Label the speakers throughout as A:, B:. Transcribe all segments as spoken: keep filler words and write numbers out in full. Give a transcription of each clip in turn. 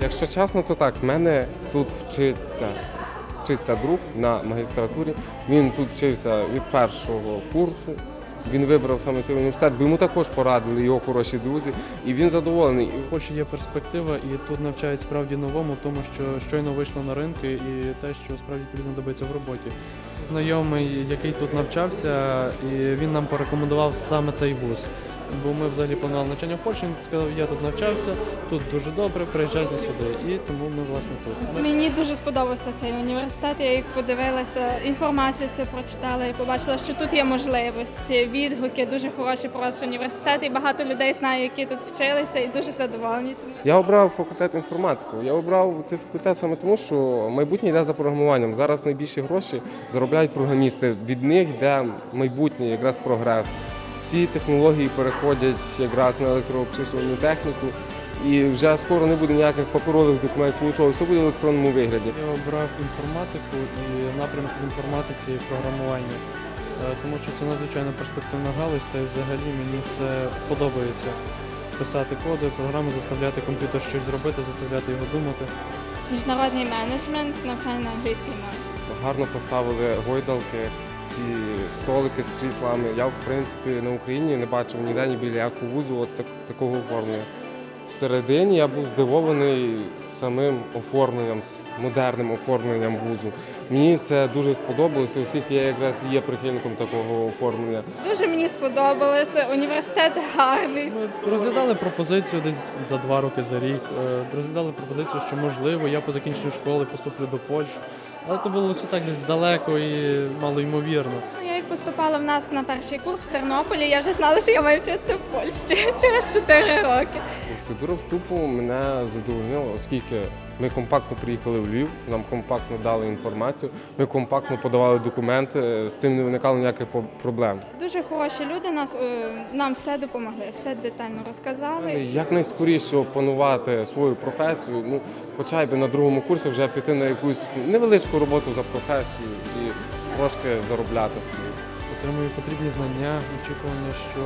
A: Якщо чесно, то так, в мене тут вчиться, вчиться друг на магістратурі. Він тут вчився від першого курсу. Він вибрав саме цей університет, бо йому також порадили його хороші друзі, і він задоволений.
B: В Польщі є перспектива, і тут навчають справді новому, тому що щойно вийшло на ринки і те, що справді тобі знадобиться в роботі. Знайомий, який тут навчався, і він нам порекомендував саме цей вуз. Бо ми взагалі планували навчання в Польщі, він сказав, я тут навчався, тут дуже добре, приїжджайте сюди. І тому ми, власне, тут. Ми...
C: Мені дуже сподобався цей університет, я як подивилася, інформацію всю прочитала і побачила, що тут є можливості, відгуки, дуже хороший просто університет, і багато людей знаю, які тут вчилися, і дуже задоволені.
A: Я обрав факультет інформатику. Я обрав цей факультет саме тому, що майбутнє йде за програмуванням. Зараз найбільші гроші заробляють програмісти. Від них йде майбутнє, якраз прогрес. Всі технології переходять якраз на електрообчислювальну техніку, і вже скоро не буде ніяких паперових документів, нічого, все буде в електронному вигляді.
B: Я обрав інформатику і напрямок в інформатиці і програмування, тому що це надзвичайно перспективна галузь, та й взагалі мені це подобається. Писати коди, програми, заставляти комп'ютер щось зробити, заставляти його думати.
C: Міжнародний менеджмент, навчання на англійській мові.
A: Гарно поставили гойдалки, ці столики з кріслами. Я, в принципі, на Україні не бачив ніде ні біля якого вузу от такого оформлення. Всередині я був здивований самим оформленням, модерним оформленням вузу. Мені це дуже сподобалося, оскільки я якраз є прихильником такого оформлення.
C: Дуже мені сподобалося, університет гарний.
B: Ми розглядали пропозицію десь за два роки, за рік. Розглядали пропозицію, що можливо, я по закінченню школи поступлю до Польщі. Але це було все так десь далеко і малоймовірно.
C: Я як поступала в нас на перший курс в Тернополі, я вже знала, що я маю вчитися в Польщі через чотири роки.
A: Процедура вступу мене задовольнила, оскільки ми компактно приїхали в Львів, нам компактно дали інформацію, ми компактно подавали документи, з цим не виникало ніяких проблем.
C: Дуже хороші люди нас, е, нам все допомогли, все детально розказали.
A: Якнайскоріше опанувати свою професію, ну, хоча б на другому курсі вже піти на якусь невеличку роботу за професію і трошки заробляти собі.
B: Отримую потрібні знання, очікування, що,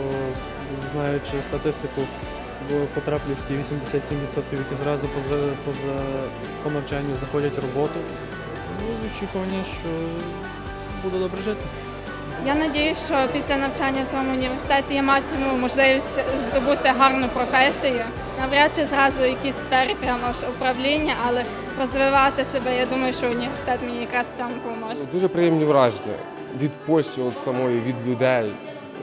B: знаючи статистику, бо потраплю в ті вісімдесят сім відсотків, які зразу поза, поза по навчанню знаходять роботу. Ну, очікування, що буду добре жити.
C: Я сподіваюся, що після навчання в цьому університеті я матиму можливість здобути гарну професію. Навряд чи зразу в якійсь сфері прямо ж управління, але розвивати себе, я думаю, що університет мені якраз в цьому допоможе.
A: Дуже приємні враження від Польщі, от самої, від людей.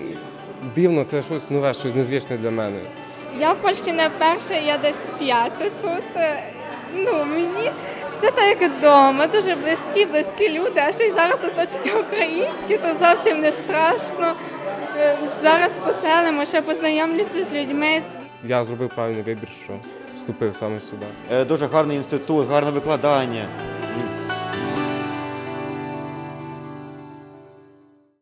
A: Дивно, це щось нове, щось незвичне для мене.
C: Я в Польщі не вперше, я десь вп'яте тут. Ну, мені це так як вдома, дуже близькі, близькі люди, а ще й зараз оточення українські, то зовсім не страшно. Зараз поселимо, ще познайомлюся з людьми.
A: Я зробив правильний вибір, що вступив саме сюди.
D: Дуже гарний інститут, гарне викладання.